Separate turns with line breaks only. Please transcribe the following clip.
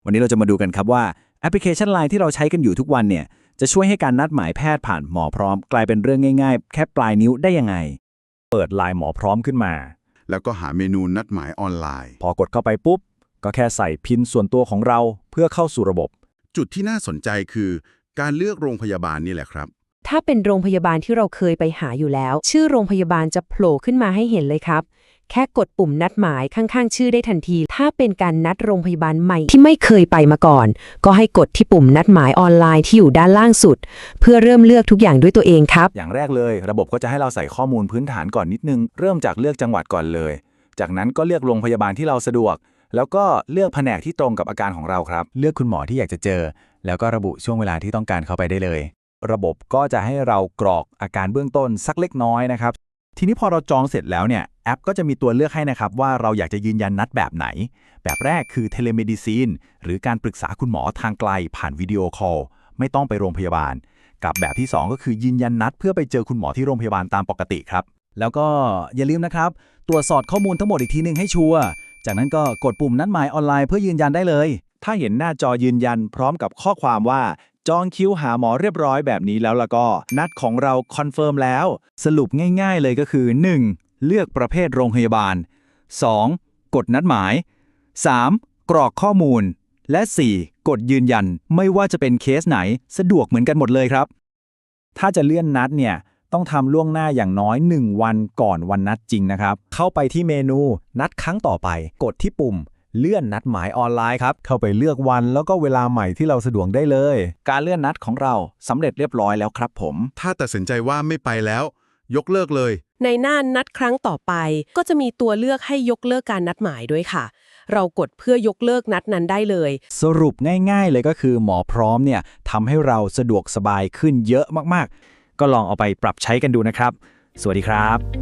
วันนี้เราจะมาดูกันครับว่าแอปพลิเคชัน LINE ที่เราใช้กันอยู่ทุกวันเนี่ยจะช่วยให้การนัดหมายแพทย์ผ่านหมอพร้อมกลายเป็นเรื่องง่ายๆแค่ปลายนิ้วได้ยังไงเปิด LINE หมอพร้อมขึ้นมา
แล้วก็หาเมนูนัดหมายออนไลน์
พอกดเข้าไปปุ๊บก็แค่ใส่พินส่วนตัวของเราเพื่อเข้าสู่ระบบ
จุดที่น่าสนใจคือการเลือกโรงพยาบาลนี่แหละครับ
ถ้าเป็นโรงพยาบาลที่เราเคยไปหาอยู่แล้วชื่อโรงพยาบาลจะโผล่ขึ้นมาให้เห็นเลยครับแค่กดปุ่มนัดหมายข้างๆชื่อได้ทันทีถ้าเป็นการนัดโรงพยาบาลใหม่ที่ไม่เคยไปมาก่อนก็ให้กดที่ปุ่มนัดหมายออนไลน์ที่อยู่ด้านล่างสุดเพื่อเริ่มเลือกทุกอย่างด้วยตัวเองครับ
อย่างแรกเลยระบบก็จะให้เราใส่ข้อมูลพื้นฐานก่อนนิดนึงเริ่มจากเลือกจังหวัดก่อนเลยจากนั้นก็เลือกโรงพยาบาลที่เราสะดวกแล้วก็เลือกแผนกที่ตรงกับอาการของเราครับเลือกคุณหมอที่อยากจะเจอแล้วก็ระบุช่วงเวลาที่ต้องการเข้าไปได้เลยระบบก็จะให้เรากรอกอาการเบื้องต้นสักเล็กน้อยนะครับทีนี้พอเราจองเสร็จแล้วเนี่ยแอปก็จะมีตัวเลือกให้นะครับว่าเราอยากจะยืนยันนัดแบบไหนแบบแรกคือเทเลเมดิซีนหรือการปรึกษาคุณหมอทางไกลผ่านวิดีโอคอลไม่ต้องไปโรงพยาบาลกับแบบที่2ก็คือยืนยันนัดเพื่อไปเจอคุณหมอที่โรงพยาบาลตามปกติครับแล้วก็อย่าลืมนะครับตรวจสอบข้อมูลทั้งหมดอีกทีนึงให้ชัวร์จากนั้นก็กดปุ่มนัดหมายออนไลน์เพื่อยืนยันได้เลยถ้าเห็นหน้าจอยืนยันพร้อมกับข้อความว่าจองคิวหาหมอเรียบร้อยแบบนี้แล้วก็นัดของเราคอนเฟิร์มแล้วสรุปง่ายๆเลยก็คือ 1. เลือกประเภทโรงพยาบาล 2. กดนัดหมาย 3. กรอกข้อมูลและ 4. กดยืนยันไม่ว่าจะเป็นเคสไหนสะดวกเหมือนกันหมดเลยครับถ้าจะเลื่อนนัดเนี่ยต้องทำล่วงหน้าอย่างน้อย1วันก่อนวันนัดจริงนะครับเข้าไปที่เมนูนัดครั้งต่อไปกดที่ปุ่มเลื่อนนัดหมายออนไลน์ครับเข้าไปเลือกวันแล้วก็เวลาใหม่ที่เราสะดวกได้เลยการเลื่อนนัดของเราสำเร็จเรียบร้อยแล้วครับผม
ถ้าตัดสินใจว่าไม่ไปแล้วยกเลิกเลย
ในหน้านัดครั้งต่อไปก็จะมีตัวเลือกให้ยกเลิกการนัดหมายด้วยค่ะเรากดเพื่อยกเลิกนัดนั้นได้เลย
สรุปง่ายๆเลยก็คือหมอพร้อมเนี่ยทำให้เราสะดวกสบายขึ้นเยอะมากๆก็ลองเอาไปปรับใช้กันดูนะครับสวัสดีครับ